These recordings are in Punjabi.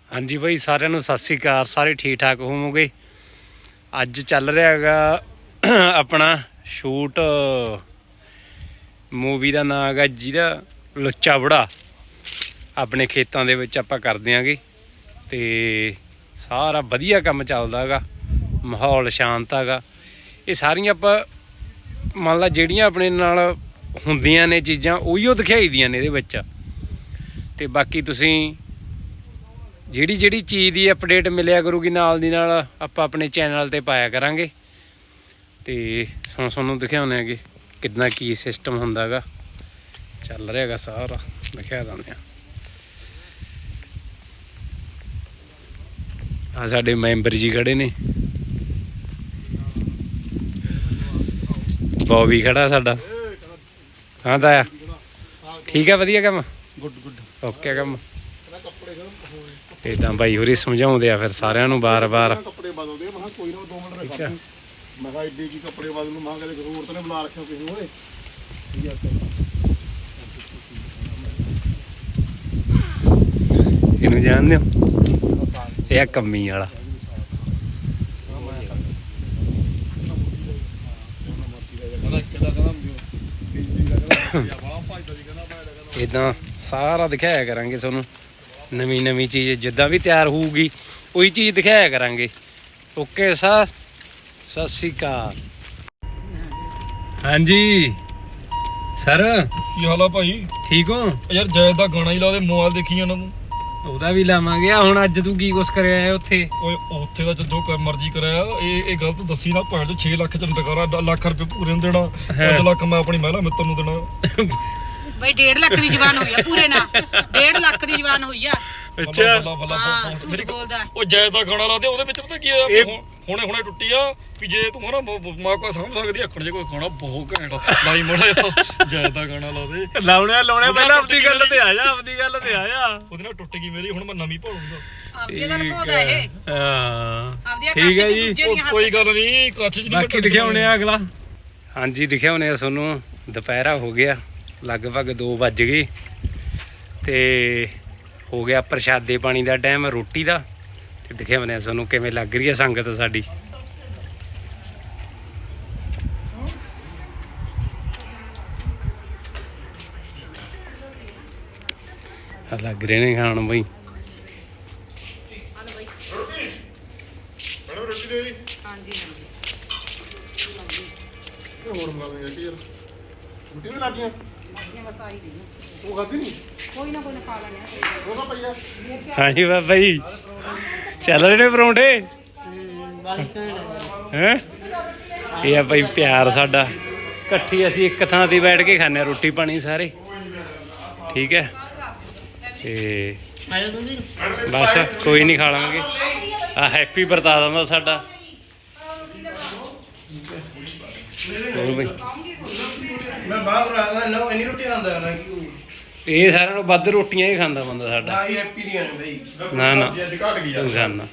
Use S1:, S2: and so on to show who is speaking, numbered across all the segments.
S1: ਹਾਂਜੀ ਬਾਈ ਸਾਰਿਆਂ ਨੂੰ ਸਤਿ ਸ੍ਰੀ ਅਕਾਲ। ਸਾਰੇ ਠੀਕ ਠਾਕ ਹੋਵੋਗੇ। ਅੱਜ ਚੱਲ ਰਿਹਾ ਹੈਗਾ ਆਪਣਾ ਸ਼ੂਟ ਮੂਵੀ ਦਾ ਨਾਂ ਹੈਗਾ ਜਿਹਦਾ ਲੁੱਚਾ ਬੁੜਾ। ਆਪਣੇ ਖੇਤਾਂ ਦੇ ਵਿੱਚ ਆਪਾਂ ਕਰ ਦਿਆਂਗੇ ਤੇ ਸਾਰਾ ਵਧੀਆ ਕੰਮ ਚੱਲਦਾ ਹੈਗਾ, ਮਾਹੌਲ ਸ਼ਾਂਤ ਹੈਗਾ। ਇਹ ਸਾਰੀਆਂ ਆਪਾਂ ਮੰਨ ਲਾ ਜਿਹੜੀਆਂ ਆਪਣੇ ਨਾਲ ਹੁੰਦੀਆਂ ਨੇ ਚੀਜ਼ਾਂ ਉਹੀਓ ਦਿਖਾਈ ਦੀਆਂ ਨੇ ਇਹਦੇ ਵਿੱਚ। ਤੇ ਬਾਕੀ ਤੁਸੀਂ ਜਿਹੜੀ ਚੀਜ਼ ਦੀ ਅਪਡੇਟ ਮਿਲਿਆ ਕਰੂਗੀ ਨਾਲ ਦੀ ਨਾਲ ਆਪਾਂ ਆਪਣੇ ਚੈਨਲ ਤੇ ਪਾਇਆ ਕਰਾਂਗੇ। ਤੇ ਹੁਣ ਤੁਹਾਨੂੰ ਦਿਖਾਉਂਦੇ ਹੈਗੇ ਕਿੰਨਾ ਕੀ ਸਿਸਟਮ ਹੁੰਦਾ ਹੈਗਾ, ਚੱਲ ਰਿਹਾ ਹੈਗਾ ਸਾਰਾ ਦਿਖਾ ਦਿੰਦੇ ਆ। ਸਾਡੇ ਮੈਂਬਰ ਜੀ ਖੜੇ ਨੇ, ਬੌਬੀ ਖੜਾ ਸਾਡਾ। ਹਾਂ ਤਾਇਆ ਠੀਕ ਆ, ਵਧੀਆ ਕੰਮ, ਗੁੱਡ ਓਕੇ ਕੰਮ। ਇਦਾਂ ਬਾਈ ਹੋਰੀ ਸਮਝਾਉਂਦੇ ਆ ਫਿਰ ਸਾਰਿਆਂ ਨੂੰ ਬਾਰ-ਬਾਰ।
S2: ਕੱਪੜੇ ਬਦਲਦੇ ਮੈਂ ਕੋਈ ਨਾ 2 ਮਿੰਟ ਰੱਖ। ਮੈਂ ਕਿਹਾ ਏਡੀ ਕੀ ਕੱਪੜੇ ਬਦਲ ਨੂੰ, ਮੈਂ ਕਦੇ ਜ਼ਰੂਰਤ ਨੇ ਬੁਲਾ ਰੱਖਿਆ ਕਿਸੇ ਨੂੰ। ਓਏ
S1: ਇਹਨੂੰ ਜਾਣਦੇ ਹੋ? ਇਹ ਆ ਕੰਮੀ ਵਾਲਾ। ਇਦਾਂ ਸਾਰਾ ਦਿਖਾਇਆ ਕਰਾਂਗੇ ਤੁਹਾਨੂੰ, ਨਵੀਂ ਚੀਜ਼ ਜਿੱਦਾਂ ਵੀ ਤਿਆਰ ਹੋਊਗੀ ਉਹੀ ਚੀਜ਼ ਦਿਖਾਇਆ ਕਰਾਂਗੇ। ਓਕੇ ਸਤਿ ਸ਼੍ਰੀ ਅਕਾਲ। ਹਾਂਜੀ ਸਰ
S2: ਕੀ ਹਾਲ ਆ ਭਾਈ? ਠੀਕ ਹੋ ਯਾਰ? ਜੈਦ ਦਾ ਗਾਣਾ ਹੀ ਲਾ ਦੇ, ਮੋਬਾਈਲ ਦੇਖੀ ਉਹਨਾਂ ਨੂੰ।
S1: ਉਹਦਾ ਵੀ ਲਾਵਾਂਗੇ। ਹੁਣ ਅੱਜ ਤੂੰ ਕੀ ਕੁਛ ਕਰਿਆ ਹੈ ਉੱਥੇ?
S2: ਓਏ ਉੱਥੇ ਦਾ ਜੋ ਮਰਜ਼ੀ ਕਰਾਇਆ, ਇਹ ਗਲਤ ਦੱਸੀ ਨਾ। 6 ਲੱਖ ਚ ਟਕਾਰਾ, ਲੱਖ ਰੁਪਏ ਪੂਰੇ ਨੂੰ ਦੇਣਾ, 5 ਲੱਖ ਮੈਂ ਆਪਣੀ ਮਹਿਲਾ ਮਿੱਤਰ ਨੂੰ ਦੇਣਾ।
S3: ਬਈ 1.5 ਲੱਖ ਦੀ ਜ਼ਬਾਨ ਹੋਈ ਆ ਪੂਰੇ ਨਾ, 1.5 ਲੱਖ ਦੀ ਜ਼ਬਾਨ ਹੋਈ ਆ।
S1: ਅੱਛਾ
S3: ਝੂਠ ਬੋਲਦਾ।
S2: ਉਹ ਜੈਦ ਦਾ ਗਾਣਾ ਲਾ ਦੇ, ਉਹਦੇ ਵਿੱਚ ਪਤਾ ਕੀ ਹੋਇਆ, ਹੁਣੇ ਟੁੱਟੀ ਆ ਵੀ ਜੇ ਤੂੰ ਹਨਾ ਮਾਂ ਕੋ ਸਮਝ ਸਕਦੀ ਅੱਖੜ ਜੇ ਕੋਈ ਖਾਣਾ ਬਹੁਤ ਘੈਂਟ ਲਾਈ ਮੋੜਾ ਜੈਦ ਦਾ ਗਾਣਾ ਲਾ ਦੇ।
S1: ਲਾਉਣੇ ਪਹਿਲਾਂ ਆਪਦੀ ਗੱਲ ਤੇ ਆ ਜਾ,
S2: ਉਹਦੇ ਨਾਲ ਟੁੱਟ ਗਈ ਮੇਰੀ, ਹੁਣ ਮੈਂ ਨਵੀਂ ਭਾਲੂਗਾ।
S3: ਆਪਦੀ ਦਾ ਲਗਾਉਂਦਾ ਇਹ।
S1: ਹਾਂ ਠੀਕ ਹੈ ਜੀ,
S2: ਕੋਈ ਗੱਲ ਨਹੀਂ, ਕੱਚ ਚ
S1: ਬਾਕੀ ਦਿਖਾਉਣੇ ਆ ਅਗਲਾ। ਹਾਂਜੀ ਦਿਖਾਉਣੇ ਆ ਤੁਹਾਨੂੰ। ਦੁਪਹਿਰਾ ਹੋ ਗਿਆ, ਲਗਭਗ 2 ਵੱਜ ਗਏ ਤੇ ਹੋ ਗਿਆ ਪ੍ਰਸ਼ਾਦੇ ਪਾਣੀ ਦਾ ਟਾਈਮ, ਰੋਟੀ ਦਾ। ਤੇ ਦਿਖਾਉਣੇ ਆ ਤੁਹਾਨੂੰ ਕਿਵੇਂ ਲੱਗ ਰਹੀ ਹੈ ਸੰਗਤ ਸਾਡੀ। ਲੱਗ ਰਹੇ ਨੇ ਖਾਣ ਬਈ।
S2: ਹੋਰ ਮੰਗਾ ਦੇ ਯਾਰ, ਰੋਟੀ ਵੀ ਲੱਗੀਆਂ ਉਹ ਖਾਦੀ ਨਹੀਂ।
S3: ਕੋਈ ਨਾ ਖਾ ਲੈਣੇ
S2: ਉਹਦਾ ਪਈਆ।
S1: ਹਾਂਜੀ ਬਾਬਾ ਜੀ ਚੱਲ ਰਹੇ ਨੇ ਪਰੌਂਠੇ ਹੈਂ? ਇਹ ਆ ਭਾਈ ਪਿਆਰ ਸਾਡਾ, ਇਕੱਠੀ ਅਸੀਂ ਇੱਕ ਥਾਂ ਤੇ ਬੈਠ ਕੇ ਖਾਂਦੇ ਹਾਂ ਰੋਟੀ ਪਾਣੀ ਸਾਰੇ, ਠੀਕ ਹੈ। ਤੇ ਬਸ ਕੋਈ ਨਹੀਂ ਖਾ ਲਾਂਗੇ। ਆ ਹੈਪੀ ਵਰਤਾ ਦਿੰਦਾ ਸਾਡਾ। ਹੋਰ ਬਈ
S4: ਮੈਂ ਬਾਹਰ ਰਹਾ ਨਾ, ਇੰਨੀ ਰੋਟੀ ਖਾਂਦਾ ਨਾ ਕਿ
S1: ਇਹ ਸਾਰਿਆਂ ਨੂੰ ਵੱਧ ਰੋਟੀਆਂ ਹੀ ਖਾਂਦਾ ਬੰਦਾ ਸਾਡਾ।
S4: ਨਾ ਹੀ ਹੈਪੀ ਦੀਆਂ ਨੇ ਬਈ।
S1: ਨਾ
S2: ਅੱਜ ਘਟ ਗਈ ਯਾਰ।
S1: ਖਾਣਾ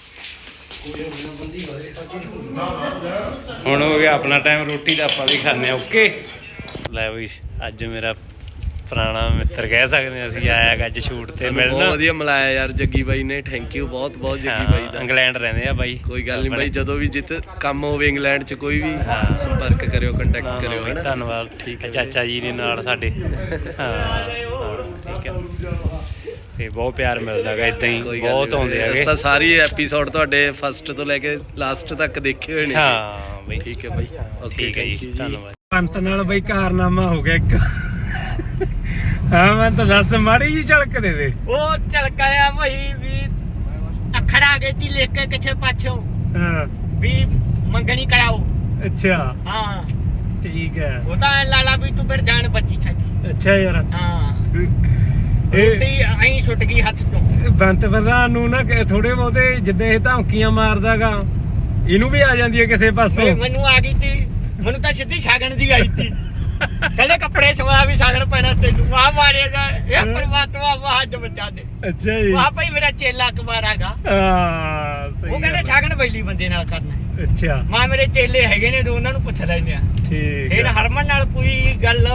S1: ਹੁਣ ਹੋ ਗਿਆ ਆਪਣਾ ਟਾਈਮ ਰੋਟੀ ਦਾ, ਆਪਾਂ ਵੀ ਖਾਂਦੇ ਆ। ਓਕੇ ਲੈ ਬਈ, ਅੱਜ ਮੇਰਾ ਪੁਰਾਣਾ ਮਿੱਤਰ ਕਹਿ ਸਕਦੇ ਹਾਂ ਅਸੀਂ, ਆਇਆ ਅੱਜ ਸ਼ੂਟ ਤੇ ਮਿਲਣਾ।
S4: ਬਹੁਤ ਵਧੀਆ ਮਿਲਾਇਆ ਯਾਰ ਜੱਗੀ ਬਾਈ ਨੇ, ਥੈਂਕ ਯੂ ਬਹੁਤ ਜੱਗੀ ਬਾਈ ਦਾ।
S1: ਇੰਗਲੈਂਡ ਰਹਿੰਦੇ ਆ ਬਾਈ।
S4: ਕੋਈ ਗੱਲ ਨਹੀਂ ਬਾਈ, ਜਦੋਂ ਵੀ ਜਿੱਤ ਕੰਮ ਹੋਵੇ ਇੰਗਲੈਂਡ 'ਚ ਕੋਈ ਵੀ ਸੰਪਰਕ ਕਰਿਓ, ਕੰਟੈਕਟ ਕਰਿਓ।
S1: ਹੈ ਧੰਨਵਾਦ। ਠੀਕ ਹੈ, ਚਾਚਾ ਜੀ ਨੇ ਨਾਲ ਸਾਡੇ। ਹਾਂ ਠੀਕ ਹੈ, ਤੇ ਬਹੁਤ ਪਿਆਰ ਮਿਲਦਾ ਹੈਗਾ ਇੱਦਾਂ ਹੀ, ਬਹੁਤ ਆਉਂਦੇ ਹੈਗੇ।
S4: ਤਾਂ ਸਾਰੀ ਐਪੀਸੋਡ ਤੁਹਾਡੇ ਫਸਟ ਤੋਂ ਲੈ ਕੇ ਲਾਸਟ ਤੱਕ ਦੇਖੇ ਹੋਏ ਨੇ।
S1: ਹਾਂ ਬਈ
S4: ਠੀਕ ਹੈ ਬਾਈ,
S1: ਠੀਕ ਹੈ ਜੀ, ਧੰਨਵਾਦ। ਪੰਤ ਨਾਲ ਬਈ ਕਾਰਨਾਮਾ ਹੋ ਗਿਆ ਇੱਕ। ਹਾਂ ਮੈਂ ਤਾਂ ਦੱਸ, ਮਾੜੀ ਜੀ ਝਲਕ ਦੇ ਦੇ।
S5: ਉਹ ਝਲਕਾਇਆ ਭਾਈ ਵੀ ਅੱਖਰ ਆ ਗਏ ਸੀ ਲਿਖ ਕੇ ਕਿਛੇ ਪਾਛੋਂ
S1: ਹਾਂ
S5: ਵੀ ਮੰਗਣੀ ਕਰਾਓ।
S1: ਅੱਛਾ
S5: ਹਾਂ
S1: ਠੀਕ ਹੈ।
S5: ਉਹ ਤਾਂ ਲਾਲਾ ਵੀ ਤੂੰ ਫਿਰ ਜਾਨ ਬਚੀ ਸਾਡੀ।
S1: ਅੱਛਾ ਯਾਰ,
S5: ਹਾਂ
S1: ਇਹ
S5: ਰੋਟੀ ਐਂ ਛੁੱਟ ਗਈ ਹੱਥ ਤੋਂ।
S1: ਬੰਤ ਪ੍ਰਧਾਨ ਨੂੰ ਨਾ ਥੋੜੇ ਬਹੁਤੇ ਜਿੱਦਾਂ ਇਹ ਧਮਕੀਆਂ ਮਾਰਦਾਗਾ, ਇਹਨੂੰ ਵੀ ਆ ਜਾਂਦੀ ਹੈ ਕਿਸੇ ਪਾਸੋਂ।
S5: ਮੈਨੂੰ ਆ ਗਈ ਤੀ, ਮੈਨੂੰ ਤਾਂ ਸਿੱਧੀ ਛਾਗਣ ਦੀ ਆਈ ਤੀ। ਕਹਿੰਦੇ ਕੱਪੜੇ ਸਵਾ ਵੀ ਸਾਗਣ ਪੈਣਾ ਤੈਨੂੰ, ਆ ਮਾਰੇਗਾ ਇਹ ਪਰਮਾਤਮਾ ਵਾਹ ਬਚਾ ਦੇ।
S1: ਅੱਛਾ ਜੀ,
S5: ਵਾਹ ਭਾਈ ਮੇਰਾ ਚੇਲਾ ਕੁਮਾਰਾਗਾ।
S1: ਹਾਂ ਸਹੀ।
S5: ਉਹ ਕਹਿੰਦੇ ਛਾਗਣ ਬੈਲੀ ਬੰਦੇ ਨਾਲ ਕਰਨਾ।
S1: ਅੱਛਾ
S5: ਮਾਂ ਮੇਰੇ ਚੇਲੇ ਹੈਗੇ ਨੇ, ਉਹਨਾਂ ਨੂੰ ਪੁੱਛ ਲੈਂਦੇ ਆ।
S1: ਠੀਕ
S5: ਫਿਰ
S1: ਹੈ।
S5: ਹਰਮਨ ਨਾਲ ਕੋਈ ਗੱਲ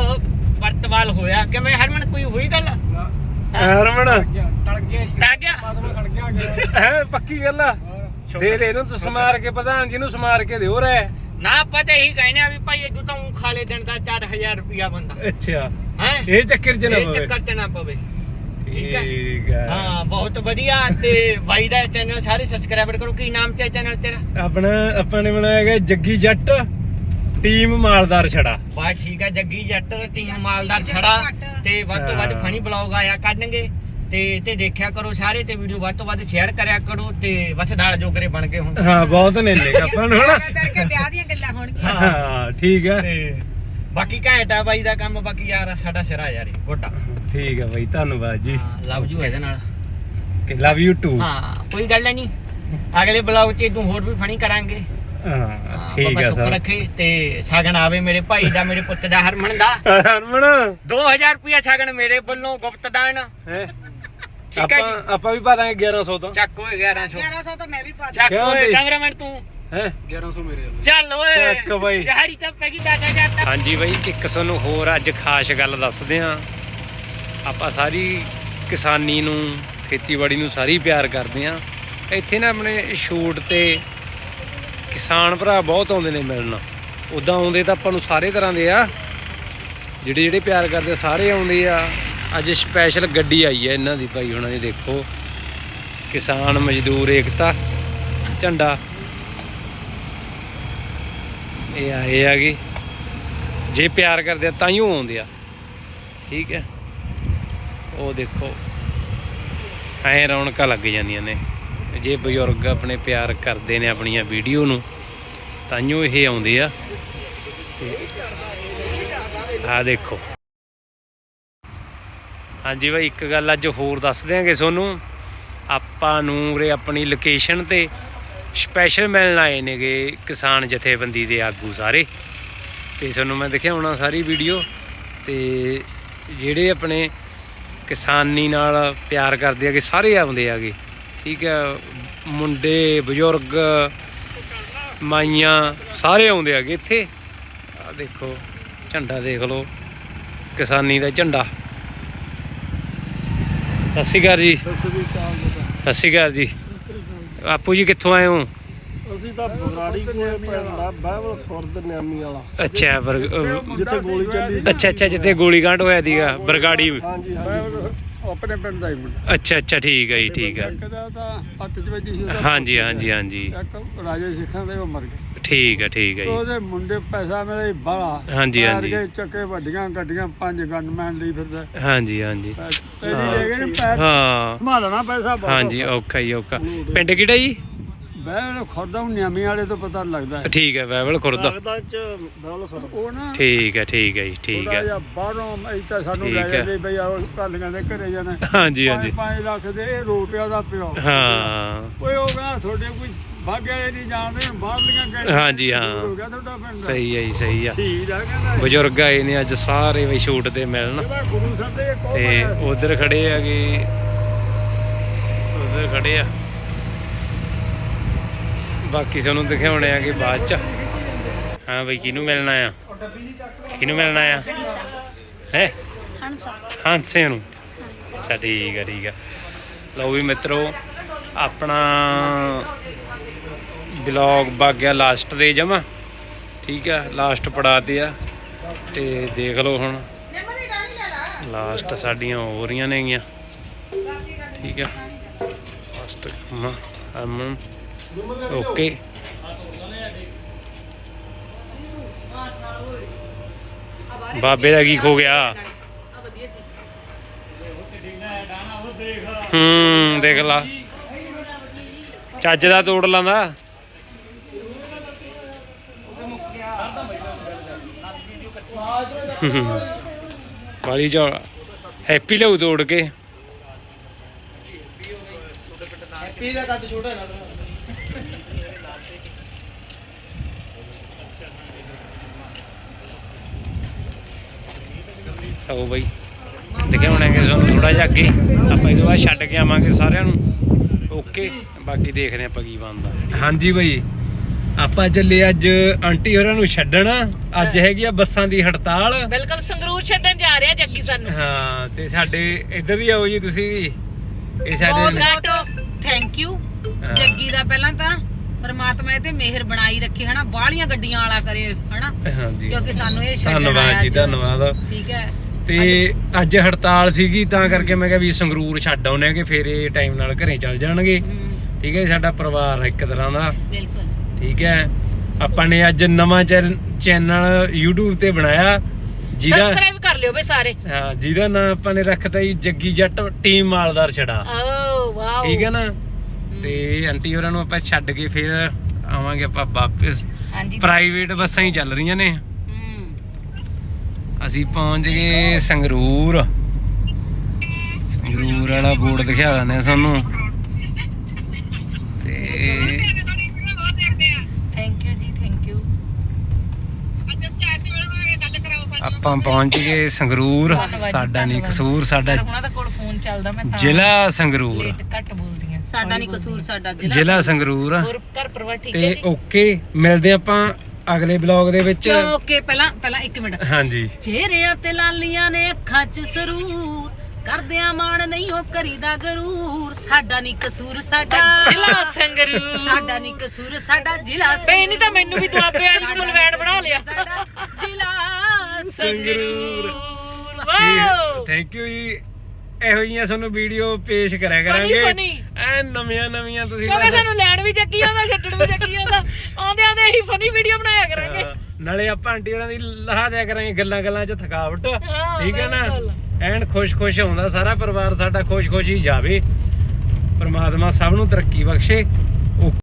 S5: ਵਰਤਵਾਲ ਹੋਇਆ? ਕਿਵੇਂ ਹਰਮਨ ਕੋਈ ਹੋਈ ਗੱਲ?
S1: ਹਰਮਨ
S5: ਟਲ ਗਿਆ
S1: ਹੈ ਪੱਕੀ ਗੱਲ ਆ ਦੇ ਦੇ ਇਹਨੂੰ ਤੂੰ ਸਮਾਰ ਕੇ ਪ੍ਰਧਾਨ ਜੀ ਨੂੰ ਸਮਾਰ ਕੇ ਦਿਓ ਰਹਿ
S5: ਨਾ ਆਪਾਂ ਤਾਂ ਇਹੀ ਕਹਿੰਦੇ ਆ ਵੀ ਭਾਈ ਇਹ ਤਾਂ ਊਂ ਖਾ ਲੈ ਦਿਨ ਦਾ 4000 ਰੁਪਿਆ ਬੰਦਾ
S1: ਅੱਛਾ
S5: ਹੈ
S1: ਇਹ ਚੱਕਰ ਚ ਨਾ
S5: ਇਹ
S1: ਪਵੇ
S5: ਚੱਕਰ ਚ ਨਾ ਪਵੇ ਠੀਕ ਹੈ
S1: ਠੀਕ ਹੈ
S5: ਹਾਂ ਬਹੁਤ ਵਧੀਆ ਤੇ ਬਾਈ ਦਾ ਚੈਨਲ ਸਾਰੇ ਸਬਸਕ੍ਰਾਈਬਰ ਕਰੋ ਕੀ ਨਾਮ ਤੇ ਚੈਨਲ ਤੇਰਾ
S1: ਆਪਾਂ ਨੇ ਬਣਾਇਆ ਗਿਆ ਜੱਗੀ ਜੱਟ ਟੀਮ ਮਾਲਦਾਰ ਛੜਾ
S5: ਬਾ ਠੀਕ ਹੈ ਜੱਗੀ ਜੱਟ ਟੀਮ ਮਾਲਦਾਰ ਛੜਾ ਤੇ ਵੱਧ ਤੋਂ ਵੱਧ ਫਨੀ ਬਲੌਗ ਆਇਆ ਕਰਨਗੇ ਤੇ ਦੇਖਿਆ ਕਰੋ ਸਾਰੇ ਤੇ ਵੀਡੀਓ ਵੱਧ ਤੋਂ ਵੱਧ ਸ਼ੇਅਰ ਕਰਿਆ ਕਰੋ ਤੇ ਬਸ ਦਾਲ ਜੋਗਰੇ ਬਣ ਗਏ ਹੁਣ
S1: ਹਾਂ ਬਹੁਤ ਨੇ ਲੈ ਆਪਾਂ ਨੂੰ ਹਨਾ
S3: ਕਰਕੇ ਵਿਆਹ ਦੀਆਂ ਗੱਲਾਂ ਹੋਣਗੀਆਂ
S1: ਹਾਂ ਠੀਕ ਹੈ
S5: ਤੇ ਬਾਕੀ ਘੈਂਟ ਆ ਬਾਈ ਦਾ ਕੰਮ ਬਾਕੀ ਯਾਰ ਸਾਡਾ ਸਿਰਾ ਯਾਰ ਗੋਡਾ
S1: ਠੀਕ ਹੈ ਬਾਈ ਧੰਨਵਾਦ ਜੀ
S5: ਲਵ ਯੂ ਇਹਦੇ ਨਾਲ
S1: ਕਿ ਲਵ ਯੂ ਟੂ
S5: ਹਾਂ ਕੋਈ ਗੱਲ ਨਹੀਂ ਅਗਲੇ ਬਲੌਗ 'ਚ ਤੂੰ ਹੋਰ ਵੀ ਫਨੀ ਕਰਾਂਗੇ
S1: ਹਾਂ ਠੀਕ ਹੈ
S5: ਸੁੱਖ
S1: ਸਰ
S5: ਰੱਖੇ ਤੇ ਸ਼ਗਨ ਆਵੇ ਮੇਰੇ ਭਾਈ ਦਾ ਮੇਰੇ ਪੁੱਤ ਦਾ ਹਰਮਨ ਦਾ
S1: ਹਰਮਨ
S5: 2000 ਰੁਪਿਆ ਸ਼ਗਨ ਮੇਰੇ ਵੱਲੋਂ ਗੁਪਤ ਦਾਨ
S1: ਹੈ
S5: ਠੀਕ ਹੈ ਜੀ
S1: ਆਪਾਂ ਵੀ ਪਾ ਦਾਂਗੇ 1100 ਤੋਂ
S5: ਚੱਕ ਓਏ 1100
S3: 1100 ਤਾਂ ਮੈਂ ਵੀ ਪਾ
S5: ਚੱਕ
S1: ਕਿਉਂ
S5: ਓਏ
S1: ਬਈ?
S5: ਕੈਮਰਾਮੈਨ ਤੂੰ
S1: ਹੈ
S4: 1100 ਮੇਰੇ
S5: ਚੱਲ ਓਏ
S1: ਚੱਕ ਬਈ।
S5: ਦਿਹਾੜੀ ਤਾਂ ਪੈ ਗਈ 10000 ਤੱਕ
S1: ਹਾਂਜੀ ਬਾਈ ਇੱਕ ਤੁਹਾਨੂੰ ਹੋਰ ਅੱਜ ਖਾਸ ਗੱਲ ਦੱਸਦੇ ਹਾਂ ਆਪਾਂ ਸਾਰੀ ਕਿਸਾਨੀ ਨੂੰ ਖੇਤੀਬਾੜੀ ਨੂੰ ਸਾਰੀ ਪਿਆਰ ਕਰਦੇ ਹਾਂ ਇੱਥੇ ਨਾ ਆਪਣੇ ਸ਼ੂਟ ਤੇ ਕਿਸਾਨ ਭਰਾ ਬਹੁਤ ਆਉਂਦੇ ਨੇ ਮਿਲਣ ਉੱਦਾਂ ਆਉਂਦੇ ਤਾਂ ਆਪਾਂ ਨੂੰ ਸਾਰੇ ਤਰ੍ਹਾਂ ਦੇ ਆ ਜਿਹੜੇ ਪਿਆਰ ਕਰਦੇ ਸਾਰੇ ਆਉਂਦੇ ਆ ਅੱਜ ਸਪੈਸ਼ਲ ਗੱਡੀ ਆਈ ਹੈ ਇਹਨਾਂ ਦੀ ਭਾਈ ਹੁਣਾਂ ਦੀ ਦੇਖੋ ਕਿਸਾਨ ਮਜ਼ਦੂਰ ਏਕਤਾ ਝੰਡਾ ਇਹ ਆਏ ਆਗੇ ਜੇ ਪਿਆਰ ਕਰਦੇ ਆ ਤਾਂ ਹੀ ਉਹ ਆਉਂਦੇ ਆ ਠੀਕ ਹੈ ਉਹ ਦੇਖੋ ਐ ਰੌਣਕਾਂ ਲੱਗ ਜਾਂਦੀਆਂ ਨੇ ਜੇ ਬਜ਼ੁਰਗ ਆਪਣੇ ਪਿਆਰ ਕਰਦੇ ਨੇ ਆਪਣੀਆਂ ਵੀਡੀਓ ਨੂੰ ਤਾਂ ਹੀ ਇਹ ਆਉਂਦੇ ਆ ਤੇ ਆ ਦੇਖੋ ਹਾਂਜੀ ਭਾਈ ਇੱਕ ਗੱਲ ਅੱਜ ਹੋਰ ਦੱਸ ਦਿਆਂਗੇ ਤੁਹਾਨੂੰ ਆਪਾਂ ਨੂੰ ਉਰੇ ਆਪਣੀ ਲੋਕੇਸ਼ਨ ਤੇ ਸਪੈਸ਼ਲ ਮਿਲਣ ਆਏ ਨੇਗੇ ਕਿਸਾਨ ਜਥੇਬੰਦੀ ਦੇ ਆਗੂ ਸਾਰੇ ਤੇ ਤੁਹਾਨੂੰ ਮੈਂ ਦਿਖਾਉਣਾ ਸਾਰੀ ਵੀਡੀਓ ਤੇ ਜਿਹੜੇ ਆਪਣੇ ਕਿਸਾਨੀ ਨਾਲ ਪਿਆਰ ਕਰਦੇ ਆਗੇ ਸਾਰੇ ਆਉਂਦੇ ਆਗੇ ਠੀਕ ਹੈ ਮੁੰਡੇ ਬਜ਼ੁਰਗ ਮਾਈਆਂ ਸਾਰੇ ਆਉਂਦੇ ਆਗੇ ਇੱਥੇ ਆ ਦੇਖੋ ਝੰਡਾ ਦੇਖ ਲਓ ਕਿਸਾਨੀ ਦਾ ਝੰਡਾ ਸਤਿ ਸ਼੍ਰੀ ਅਕਾਲ ਜੀ ਸਤਿ ਸ਼੍ਰੀ ਅਕਾਲ ਜੀ ਆਪੂ ਜੀ ਕਿੱਥੋਂ ਆਏ ਹੋ
S6: ਅਸੀਂ ਤਾਂ ਬਗਰਾੜੀ ਕੋਲੇ ਪਿੰਡ ਆ ਬਾਈਬਲ ਖੁਰਦ ਨਿਆਮੀ ਵਾਲਾ
S1: ਅੱਛਾ
S6: ਜਿੱਥੇ ਗੋਲੀ ਚੱਲੀ ਸੀ
S1: ਅੱਛਾ ਜਿੱਥੇ ਗੋਲੀकांड ਹੋਇਆ ਸੀਗਾ ਬਰਗਾੜੀ
S6: ਹਾਂਜੀ
S2: ਆਪਣੇ ਪਿੰਡ ਦਾ ਹੀ ਮੁੰਡਾ
S1: ਅੱਛਾ ਠੀਕ ਹੈ ਜੀ ਠੀਕ ਹੈ
S2: ਦਾ ਤਾਂ ਹੱਥ 'ਚ ਵੱਜੀ ਸੀ
S1: ਹਾਂਜੀ
S2: ਇੱਕ ਰਾਜੇ ਸਿੱਖਾਂ ਦੇ ਉਹ ਮਰ ਗਏ
S1: ਠੀਕ ਹੈ ਜੀ
S2: ਉਹਦੇ ਮੁੰਡੇ ਪੈਸਾ ਮਿਲੇ ਬਾਲਾ
S1: ਹਾਂਜੀ
S2: ਚੱਕੇ ਵੱਡੀਆਂ ਗੱਡੀਆਂ 5 ਗਨਮੈਨ ਲਈ ਫਿਰਦਾ
S1: ਹਾਂਜੀ
S2: ਤੇਰੀ ਲੈ ਗਏ ਨੇ ਪੈਰ
S1: ਹਾਂ
S2: ਸੰਭਾਲਣਾ ਪੈਸਾ ਬਹੁਤ
S1: ਹਾਂਜੀ ਔਖਾ ਹੀ ਔਖਾ ਪਿੰਡ ਕਿਹੜਾ ਜੀ
S2: ਬਹਿ ਖੁਰਦਾ ਨਿਆਮੀ ਵਾਲੇ ਤੋਂ ਪਤਾ ਲੱਗਦਾ ਹੈ
S1: ਠੀਕ ਹੈ ਬਾਈਬਲ ਖੁਰਦ
S6: ਲੱਗਦਾ ਚ ਬਾਈਬਲ ਖੁਰਦ
S2: ਉਹ ਨਾ
S1: ਠੀਕ ਹੈ ਜੀ ਠੀਕ ਹੈ
S2: ਥੋੜ੍ਹਾ ਜਿਹਾ ਬਾਹਰੋਂ ਇੱਥੇ ਸਾਨੂੰ ਲੈ
S1: ਠੀਕ ਹੈ।
S2: ਜਾਂਦੇ ਬਈ ਆਹ ਕਾਲੀਆਂ ਦੇ ਘਰੇ ਜਾਣਾ
S1: ਹਾਂਜੀ
S2: 5 ਲੱਖ ਦੇ ਇਹ ਰੋਟਿਆਂ ਦਾ ਪਿਓ
S1: ਹਾਂ
S2: ਓਏ ਉਹ ਕਹਿੰਦਾ ਤੁਹਾਡੇ ਕੋਈ ਭਾਗਿਆ ਨਹੀਂ ਜਾਣਦੇ ਬਾਹਰਲੀਆਂ ਕਹਿੰਦੇ
S1: ਹਾਂਜੀ, ਹਾਂ।
S2: ਹੋ ਗਿਆ ਤੁਹਾਡਾ ਪਿੰਡ
S1: ਸਹੀ ਹੈ ਜੀ ਸਹੀ ਆ
S2: ਸ਼ਹੀਦ ਆ ਕਹਿੰਦਾ
S1: ਬਜ਼ੁਰਗ ਆਏ ਨੇ ਅੱਜ ਸਾਰੇ ਬਈ ਸ਼ੂਟ ਤੇ ਮਿਲਣ
S2: ਇਹਦਾ ਗੁਰੂ ਸਾਹਿਬ ਦੇ ਇੱਕ ਉਹ
S1: ਤੇ
S2: ਬਣਿਆ ਸੀ।
S1: ਉਧਰ ਖੜੇ ਆਗੇ ਉਧਰ ਖੜੇ ਆ ਬਾਕੀ ਤੁਹਾਨੂੰ ਦਿਖਾਉਣੇ ਆ ਕਿ ਬਾਅਦ ਚ ਹਾਂ ਬਈ ਕਿਹਨੂੰ ਮਿਲਣਾ ਆ ਹੈ ਹਾਂਸੇ ਨੂੰ ਅੱਛਾ ਠੀਕ ਆ ਲਓ ਵੀ ਮਿੱਤਰੋ ਆਪਣਾ ਬਲੌਗ ਵਗ ਗਿਆ ਲਾਸਟ ਦੇ ਜਮਾ ਠੀਕ ਆ ਲਾਸਟ ਪੜਾ ਤੇ ਆ ਤੇ ਦੇਖ ਲਓ ਹੁਣ ਲਾਸਟ ਸਾਡੀਆਂ ਹੋ ਰਹੀਆਂ ਨੇਗੀਆਂ ਠੀਕ ਆ ਲਾਸਟ ਅਮਨ ਓਕੇ ਬਾਬੇ ਦਾ ਕੀ ਖੋ ਗਿਆ ਦੇਖ ਲਾ ਚੱਜ ਦਾ ਤੋੜ ਲਾਂਦਾ ਵਾਲੀ ਜੋ ਹੈਪੀ ਲਿਆਉ ਤੋੜ ਕੇ
S5: ਹੈਪੀ ਦਾ ਕੱਦ ਛੋਟਾ ਨਾ
S1: ਆਓ ਬਾਈ ਦਿਖਾਉਣਾਂਗੇ ਤੁਹਾਨੂੰ ਥੋੜਾ ਜਿਹਾ ਅੱਗੇ ਆਪਾਂ ਇਹਦੇ ਬਾਅਦ ਛੱਡ ਕੇ ਆਵਾਂਗੇ ਸਾਰਿਆਂ ਨੂੰ ਓਕੇ ਬਾਕੀ ਦੇਖਦੇ ਆਪਾਂ ਕੀ ਬਣਦਾ ਹਾਂਜੀ ਬਾਈ ਆਪਾਂ ਚੱਲੇ ਅੱਜ ਆਂਟੀ ਹੋਰਾਂ ਨੂੰ ਛੱਡਣ ਅੱਜ ਹੈਗੀ ਆ ਬੱਸਾਂ ਦੀ ਹੜਤਾਲ
S3: ਬਿਲਕੁਲ ਸੰਗਰੂਰ ਛੱਡਣ ਜਾ ਰਿਹਾ ਜੱਗੀ ਸਾਨੂੰ
S1: ਹਾਂ ਤੇ ਸਾਡੇ ਇੱਧਰ ਹੀ ਆਓ ਜੀ ਤੁਸੀਂ ਵੀ ਇਹ ਸਾਡੇ
S3: ਬਹੁਤ ਥੈਂਕ ਯੂ ਜੱਗੀ ਦਾ ਪਹਿਲਾਂ ਤਾਂ ਪਰਮਾਤਮਾ ਇਹ ਤੇ ਮਿਹਰ ਬਣਾਈ ਰੱਖੇ ਹਨਾ ਬਾਹਲੀਆਂ ਗੱਡੀਆਂ ਵਾਲਾ ਕਰੇ ਹਨਾ
S1: ਹਾਂਜੀ
S3: ਕਿਉਂਕਿ ਸਾਨੂੰ ਇਹ ਛੱਡਣ
S1: ਧੰਨਵਾਦ
S3: ਆਇਆ
S1: ਜੀ
S3: ਅੱਜ।
S1: ਧੰਨਵਾਦ।
S3: ਠੀਕ ਹੈ
S1: ਤੇ ਅੱਜ ਹੜਤਾਲ ਸੀਗੀ ਤਾਂ ਕਰਕੇ ਮੈਂ ਕਿਹਾ ਵੀ ਸੰਗਰੂਰ ਛੱਡ ਆਉਨੇ ਆ ਕਿ ਫੇਰ ਇਹ ਟਾਈਮ ਨਾਲ ਘਰੇ ਚੱਲ ਜਾਣਗੇ। ਠੀਕ ਹੈ ਸਾਡਾ ਪਰਿਵਾਰ ਆ ਇੱਕ ਤਰ੍ਹਾਂ ਦਾ।
S3: ਬਿਲਕੁਲ
S1: ਠੀਕ ਹੈ ਆਪਾਂ ਨੇ ਅੱਜ ਨਵਾਂ ਚੈਨਲ YouTube ਤੇ ਬਣਾਇਆ ਜਿਹਦਾ
S3: ਸਬਸਕ੍ਰਾਈਬ ਕਰ ਲਿਓ ਬਈ ਸਾਰੇ।
S1: ਹਾਂ ਜਿਹਦਾ ਨਾਮ ਆਪਾਂ ਨੇ ਰੱਖਤਾ ਜੀ ਜੱਗੀ ਜੱਟ ਟੀਮ ਮਾਲਦਾਰ ਛੜਾ।
S3: ਓ ਵਾਓ
S1: ਠੀਕ ਹੈ ਨਾ। ਤੇ ਆਂਟੀ ਹੋਰਾਂ ਨੂੰ ਆਪਾਂ ਛੱਡ ਕੇ ਫੇਰ ਆਵਾਂਗੇ ਆਪਾਂ ਵਾਪਸ।
S3: ਹਾਂਜੀ
S1: ਪ੍ਰਾਈਵੇਟ ਬੱਸਾਂ ਹੀ ਚੱਲ ਰਹੀਆਂ ਨੇ। ਅਸੀਂ ਪਹੁੰਚ ਗਏ ਸੰਗਰੂਰ। ਸੰਗਰੂਰ ਵਾਲਾ ਬੋਰਡ ਦਿਖਾ ਦਿੰਦੇ ਆ ਸਾਨੂੰ। ਤੇ
S3: thank you ji thank you.
S1: ਆਪਾਂ ਪਹੁੰਚ ਗਏ ਸੰਗਰੂਰ। ਸਾਡਾ ਨਹੀਂ ਕਸੂਰ ਸਾਡਾ
S3: ਉਹਨਾਂ ਦਾ ਕੋਲ ਫੋਨ ਚੱਲਦਾ ਮੈਂ ਤਾਂ
S1: ਜ਼ਿਲ੍ਹਾ ਸੰਗਰੂਰ।
S3: ਲੇਟ ਘੱਟ ਬੋਲਦੀ ਆ। ਸਾਡਾ ਨਹੀਂ ਕਸੂਰ ਸਾਡਾ
S1: ਜ਼ਿਲ੍ਹਾ ਸੰਗਰੂਰ ਆ।
S3: ਹੋਰ ਘਰ ਪਰਿਵਾਰ ਠੀਕ ਹੈ
S1: ਤੇ
S3: ਜੀ।
S1: ਓਕੇ ਮਿਲਦੇ ਆਪਾਂ ਅਗਲੇ ਬਲੌਗ ਦੇ ਵਿੱਚ।
S3: ਓਕੇ ਪਹਿਲਾਂ 1 ਮਿੰਟ।
S1: ਹਾਂਜੀ
S3: ਚਿਹਰਿਆਂ ਤੇ ਲਾਲੀਆਂ ਨੇ ਅੱਖਾਂ 'ਚ ਸਰੂਰ ਕਰਦਿਆਂ ਮਾਣ ਨਹੀਂ ਉਹ ਕਰੀਦਾ ਗਰੂਰ ਸਾਡਾ ਨਹੀਂ ਕਸੂਰ ਸਾਡਾ ਜ਼ਿਲ੍ਹਾ ਸੰਗਰੂਰ ਸਾਡਾ ਨਹੀਂ ਕਸੂਰ ਸਾਡਾ ਜ਼ਿਲ੍ਹਾ ਸੰਗਰੂਰ ਨਹੀਂ ਤਾਂ ਮੈਨੂੰ ਵੀ ਦੁਆਬੇ ਵਾਲੀ ਨੂੰ ਮਲਵੈਣ ਬਣਾ ਲਿਆ ਸਾਡਾ ਜ਼ਿਲ੍ਹਾ ਸੰਗਰੂਰ ਵਾਓ
S1: ਥੈਂਕ ਯੂ ਜੀ। ਇਹੋ ਜਿਹੀਆਂ ਤੁਹਾਨੂੰ ਵੀਡੀਓ ਪੇਸ਼ ਕਰਿਆ ਕਰਾਂਗੇ ਐ ਨਵੀਆਂ ਤੁਸੀਂ
S3: ਕਿਉਂਕਿ ਸਾਨੂੰ ਲੈਣ ਵੀ ਚੱਕੀ ਆਉਂਦਾ ਛੱਡਣ ਵੀ ਚੱਕੀ ਆਉਂਦਾ ਆਉਂਦੇ ਆਉਂਦੇ ਇਹੀ ਫਨੀ ਵੀਡੀਓ ਬਣਾਇਆ ਕਰਾਂਗੇ।
S1: ਨਾਲੇ ਆਪਾਂ ਆਂਟੀ ਹੋਰਾਂ ਦੀ ਲਹਾ ਦਿਆ ਕਰਾਂਗੇ ਗੱਲਾਂ 'ਚ ਥਕਾਵਟ। ਠੀਕ ਹੈ ਨਾ। ਐਨ ਖੁਸ਼ ਆਉਂਦਾ ਸਾਰਾ ਪਰਿਵਾਰ ਸਾਡਾ ਖੁਸ਼ ਹੀ ਜਾਵੇ। ਪਰਮਾਤਮਾ ਸਭ ਨੂੰ ਤਰੱਕੀ ਬਖਸ਼ੇ।